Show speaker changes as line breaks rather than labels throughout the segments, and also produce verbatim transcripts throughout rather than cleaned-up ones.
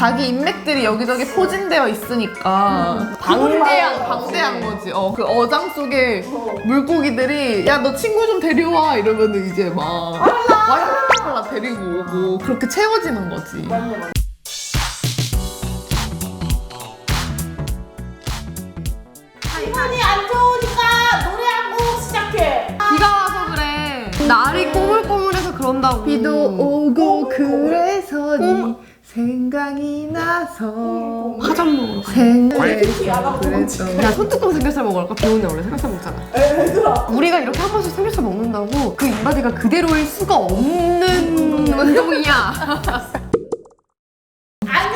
자기 인맥들이 여기저기 포진되어 있으니까
음.
방대한 방대한 거지. 어, 그 어장 속에 물고기들이 야 너 친구 좀 데려와 이러면은 이제 막 와이랄라 데리고 오고 그렇게 채워지는 거지.
맞네, 맞네. 기분이 안 좋으니까 노래하고 시작해.
비가 와서 그래. 날이 꼬물꼬물해서 그런다고.
비도 오고 그래서 네 생각이 나서
화장 먹으러 가.
생각해서 그랬어.
야, 손뚜껑 삼겹살 먹으러 갈까? 비 오는 날 원래 삼겹살 먹잖아.
얘들아.
우리가 이렇게 한 번씩 삼겹살 먹는다고 그 인바디가 그대로일 수가 없는 운동이야.
안녕.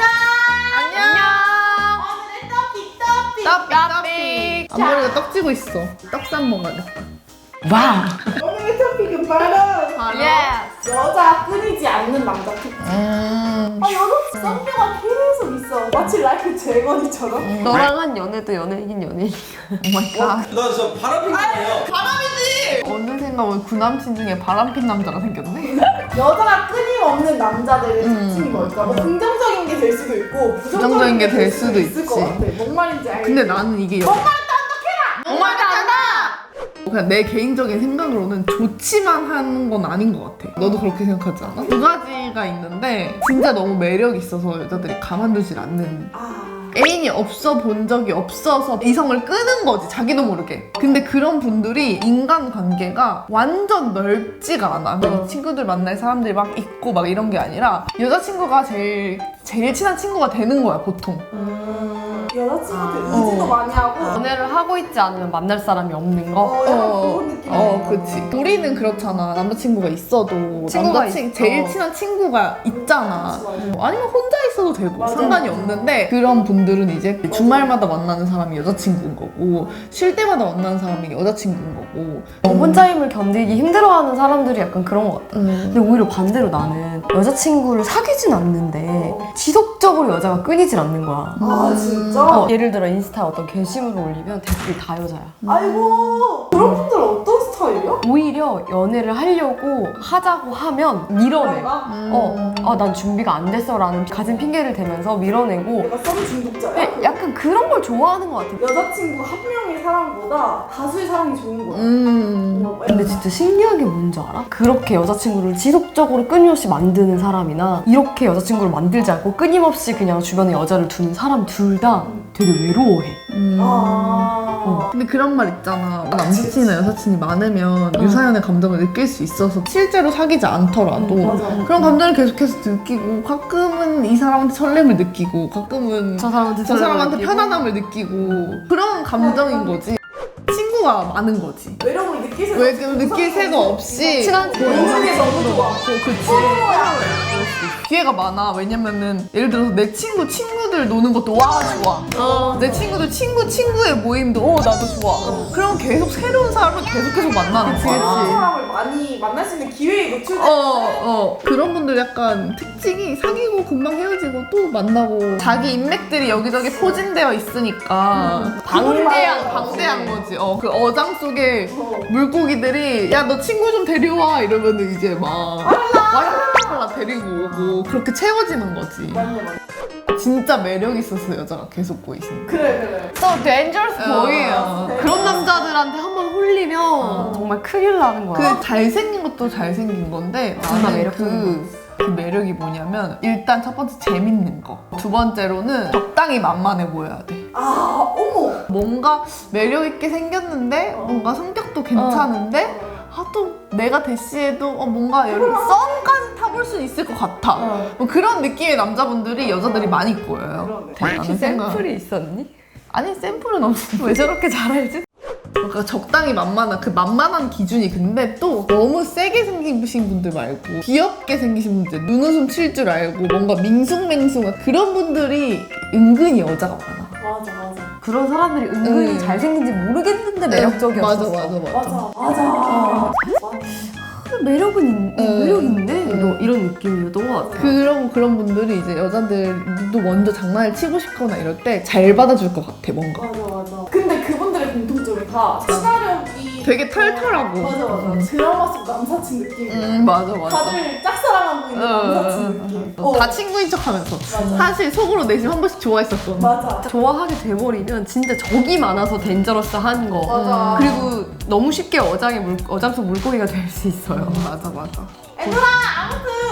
안녕.
오늘의 떡볶이 떡볶이.
떡, 떡. 앞머리가 떡지고 있어. 떡쌈 먹어야겠다.
와.
오늘의 토픽은 바로
예스.
여자 끊이지 않는 남자 특징.
음.
아 여자 썸녀가 계속 있어. 마치 라이프 재건이처럼.
너랑 한 연애도 연예인 연예인.
오마이갓.
나 저 바람핀거예요.
바람이지! 어느 생각은 구남친 중에 바람핀 남자가 생겼네?
여자가 끊임없는 남자들의
음.
특징이 뭘까? 뭐 긍정적인 게 될 수도 있고
부정적인 게 될 수도
있을
있지.
것 같아. 뭔 말인지 알겠지?
근데 나는 이게 여...
엄마한테 어떡해라!
엄마한테 한다! 그냥 내 개인적인 생각으로는 좋지만 하는 건 아닌 것 같아. 너도 그렇게 생각하지 않아? 두 가지가 있는데 진짜 너무 매력이 있어서 여자들이 가만두질 않는
아...
애인이 없어 본 적이 없어서 이성을 끄는 거지, 자기도 모르게. 근데 그런 분들이 인간관계가 완전 넓지가 않아. 이 친구들 만날 사람들이 막 있고 막 이런 게 아니라 여자친구가 제일 제일 친한 친구가 되는 거야, 보통.
음... 여자친구한테
아.
의지도
어.
많이 하고
연애를 하고 있지 않으면 만날 사람이 없는 거.
어, 약간
어,
그런 느낌.
어, 그치. 우리는 그렇잖아. 남자친구가 있어도
친구가
남자친
있어.
제일 친한 친구가 있잖아.
그치, 맞아.
아니면 혼자 있어도 되고
맞아.
상관이 없는데 그런 분들은 이제 주말마다 만나는 사람이 여자친구인 거고 쉴 때마다 만나는 사람이 여자친구인 거고.
어, 혼자임을 견디기 힘들어하는 사람들이 약간 그런 것 같아.
음.
근데 오히려 반대로 나는 여자친구를 사귀진 않는데
어.
지속적으로 여자가 끊이질 않는 거야.
아 진짜?
어, 예를 들어 인스타에 어떤 게시물을 올리면 댓글이 다 여자야.
아이고 그런 분들은 어떤 스타일이야?
오히려 연애를 하려고 하자고 하면 밀어내.
뭔가?
어, 아, 난 준비가 안 됐어 라는 가진 핑계를 대면서 밀어내고
내가 썸 중독자야?
네, 약간 그런 걸 좋아하는 것 같아.
여자친구 한 명의 사랑보다 다수의 사랑이 좋은 거야.
음.
어,
근데 진짜 신기한 게 뭔지 알아? 그렇게 여자친구를 지속적으로 끊임없이 만드는 사람이나 이렇게 여자친구를 만들지 않고 끊임없이 그냥 주변에 여자를 두는 사람 둘 다 되게 외로워해.
음.
아...
근데 그런 말 있잖아. 남사친이나 여사친이 많으면 유사연의 감정을 느낄 수 있어서 실제로 사귀지 않더라도
음, 맞아.
그런 감정을 계속해서 느끼고 가끔은 이 사람한테 설렘을 느끼고 가끔은
저 사람한테
저 사람한테
느끼고.
편안함을 느끼고 그런 감정인 거지. 친구가 많은 거지.
외로움을 느낄 새가
왜 그 느낄 새가 없이
친한 친구.
인생에 너무 좋아.
그치.
서로야.
기회가 많아. 왜냐면은 예를 들어서 내 친구 친구들 노는 것도 와 좋아.
어.
내 친구들 친구 친구의 모임도 어 나도 좋아. 그럼 계속 새로운 사람을 계속해서 만나는
그치,
거야.
그런 사람을 많이 만날 수 있는 기회에 노출돼.
어, 어. 그런 분들 약간 특징이 사귀고 금방 헤어지고 또 만나고 자기 인맥들이 여기저기 포진되어 있으니까 방대한 방대한 거지. 어, 그 어장 속에
어.
물고기들이 야 너 친구 좀 데려와 이러면은 이제 막 와이랄라 데리고 오고 그렇게 채워지는 거지.
맞네 맞네.
진짜 매력 있어서 여자가 계속 보이시는.
그래 그래.
또 dangerous
어.
boy예요. 그런 남자들한테 한 번 홀리면 정말 큰일 나는 거야.
그 잘생긴 것도 잘생긴 건데
정말
나는
매력적인
그, 그 매력이 뭐냐면 일단 첫 번째 재밌는 거, 두 번째로는 적당히 만만해 보여야 돼.
아 어머.
뭔가 매력 있게 생겼는데 뭔가 성격도 괜찮은데 아 또 내가 대시해도 어 뭔가 여기 썸까지 타볼 수 있을 것 같아.
어.
뭐 그런 느낌의 남자분들이 여자들이 많이 보여요.
그러네.
나는 생각-
샘플이 있었니?
아니 샘플은 없는데
왜 저렇게 잘 알지?
그러니까 적당히 만만한 그 만만한 기준이 근데 또 너무 세게 생기신 분들 말고 귀엽게 생기신 분들 눈웃음 칠 줄 알고 뭔가 밍숭맹숭한 그런 분들이 은근히 여자가 많아.
맞아 맞아.
그런 사람들이 은근히
음.
잘생긴지 모르겠는데 매력적이었어.
맞아 맞아 맞아.
맞아 맞아. 맞아.
매력은 있,
음.
매력 있네.
음.
너 이런 느낌이었던 것 같아.
그런 그런 분들이 이제 여자들도 먼저 장난을 치고 싶거나 이럴 때 잘 받아줄 것 같아 뭔가.
맞아 맞아. 근데 그분들의 공통점이 다 친화력이
되게 털털하고.
맞아 맞아. 드라마 속 남사친 느낌.
음 맞아 맞아.
다들 짝사랑하고 있는
어,
남사친
어,
느낌.
어, 어. 다 친구인 척하면서
맞아.
사실 속으로 내심 한 번씩 좋아했었던.
맞아.
좋아하게 돼버리면 진짜 적이 많아서 덴저러스한 거.
맞아.
그리고 너무 쉽게 어장의 물, 어장 속 물고기가 될 수 있어요.
맞아 맞아.
얘들아 아무튼